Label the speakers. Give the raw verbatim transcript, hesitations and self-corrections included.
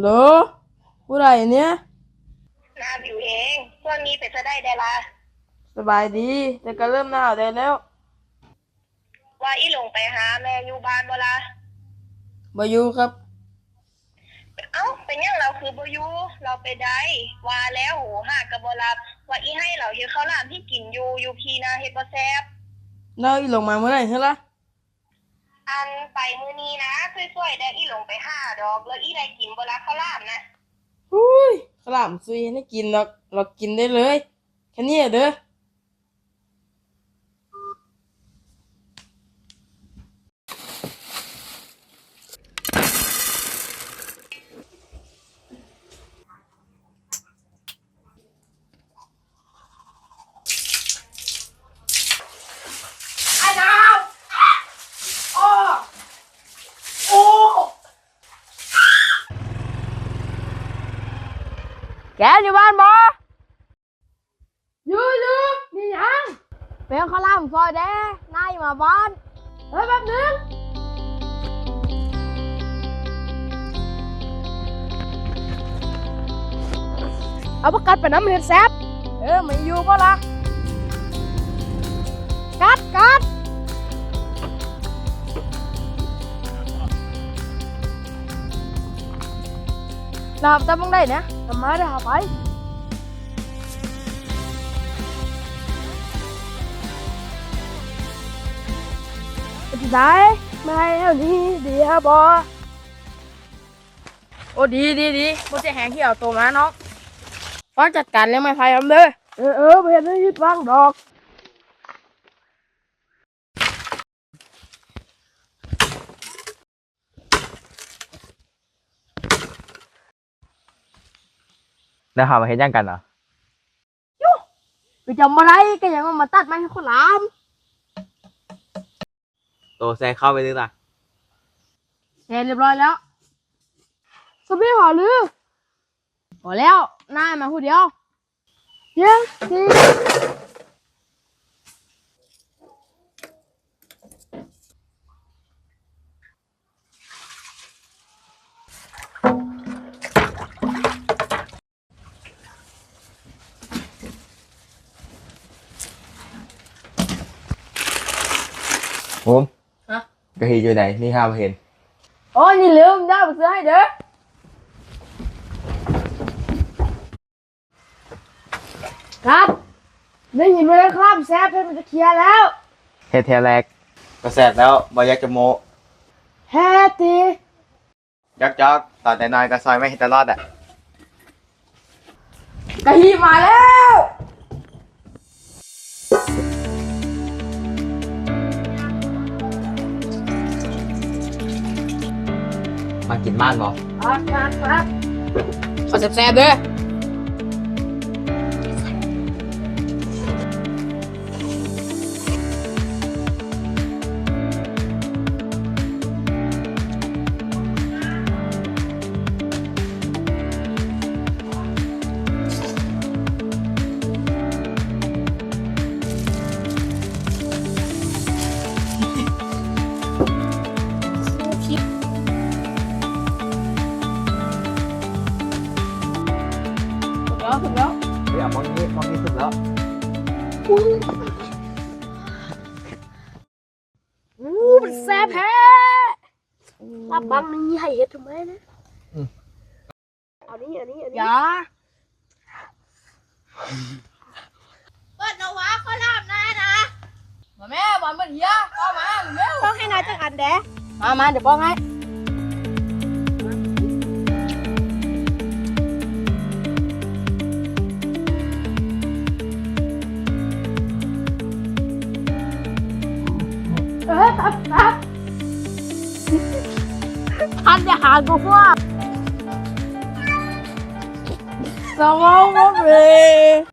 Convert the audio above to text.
Speaker 1: โหลผู้ใดเนี่ย
Speaker 2: น้ำอยู่เองช่วงนี้เป็นจะได้ได้ละ
Speaker 1: สบายดีแต่ก็เริ่มหนาวได้แล้ว
Speaker 2: ว่าอีหลงไปหาแม่อยู่บ้านบ่ละ
Speaker 1: บ่อยู่ครับ
Speaker 2: เอ้าเป็นยังเราคือบ่อยู่เราไปได้ว่าแล้วโหหากกะบ่รับว่าอีให้เราเฮ็ดข้าวหลามที่กินอยู่อยู่พี่นะเฮ็ดบ่แซ่บ
Speaker 1: แล้วอีหลงมาเมื่อไหร่เหรอล่ะ
Speaker 2: อันไปมื้อนี้นะช่วยๆได้อีหลงไปหาดอกแล้วอีได้กินบ่ละข้าวหลามนะ
Speaker 1: อุ้ยขาวหลามซุยให้กินหรอกเรากินได้เลยแค่นี้เด้อแกอยู่บ้านบ่อยู่อยู่นี่ยังเป็นข้าวหลามซอยแด้นายมาบ้านเฮ้ยแป๊บนึงเอาประกัดไปน้ำเห็ดแซ่บเออไม่อยู่ป่ะล่ะกัดกัดเราทำมึงได้เนี่ยทำมาได้หาไปจะได้ไม่เท่านี้ดีฮะบอโอ้ดีดีดีโมจะแหงที่เอาตัวมาน้องฟังจัดการเลี้ยงไม้ไผ่ทำเด้อเออเออไปเห็นได้ยิดฟังดอก
Speaker 3: แล้วหามาเห็นยังกันเหรอ
Speaker 1: ยูไปจำอะไรก็ยังมาตัดไม้ให้คนลาม
Speaker 3: โตแซเข้าไปนึกล่ะ
Speaker 1: เสร็จเรียบร้อยแล้วสบีหอหรือพอแล้วนายมาพูดเดียวเดี๋ยวสิ
Speaker 3: ผม
Speaker 1: ฮะ
Speaker 3: กะฮีอยู่ไหนนี่ห้ามาเห็น
Speaker 1: โอ้นี่ลืมได้ไปซื้อให้เด้อครับได้ยินไหมครับแซ่บเพชรมันจะเคลียร์แล้ว
Speaker 3: เฮ็ดแทแรกก็แสบแล้วบอยักจะโม
Speaker 1: แฮตี
Speaker 3: ยักจอกตอนแต่นอนก็ซอยไม่เห็นตลอดอ่ะ
Speaker 1: กะฮีมาแล้ว
Speaker 3: มากินบ้านบอ
Speaker 1: ครับครับครับขอแซ่บๆเด้อถึงแล้ว
Speaker 3: เฮ้ยมองนี้มองนี้สุดแล้ว
Speaker 1: อู้มันแซ่บแท้ลาบบังนี่ให้เฮ็ดทำไมนะอันนี้อันนี้อันนี้อย่า
Speaker 2: เปิดนวะข้าวหลามนะนะ
Speaker 1: มาแม่บอลมันเหี้ยเอามาเร็ว
Speaker 2: ต้องให้นายจักอันแดะ
Speaker 1: มามาเดี๋ยวป้องให้เออตัดตัดทันจะหากูว่าสมองหมดเลย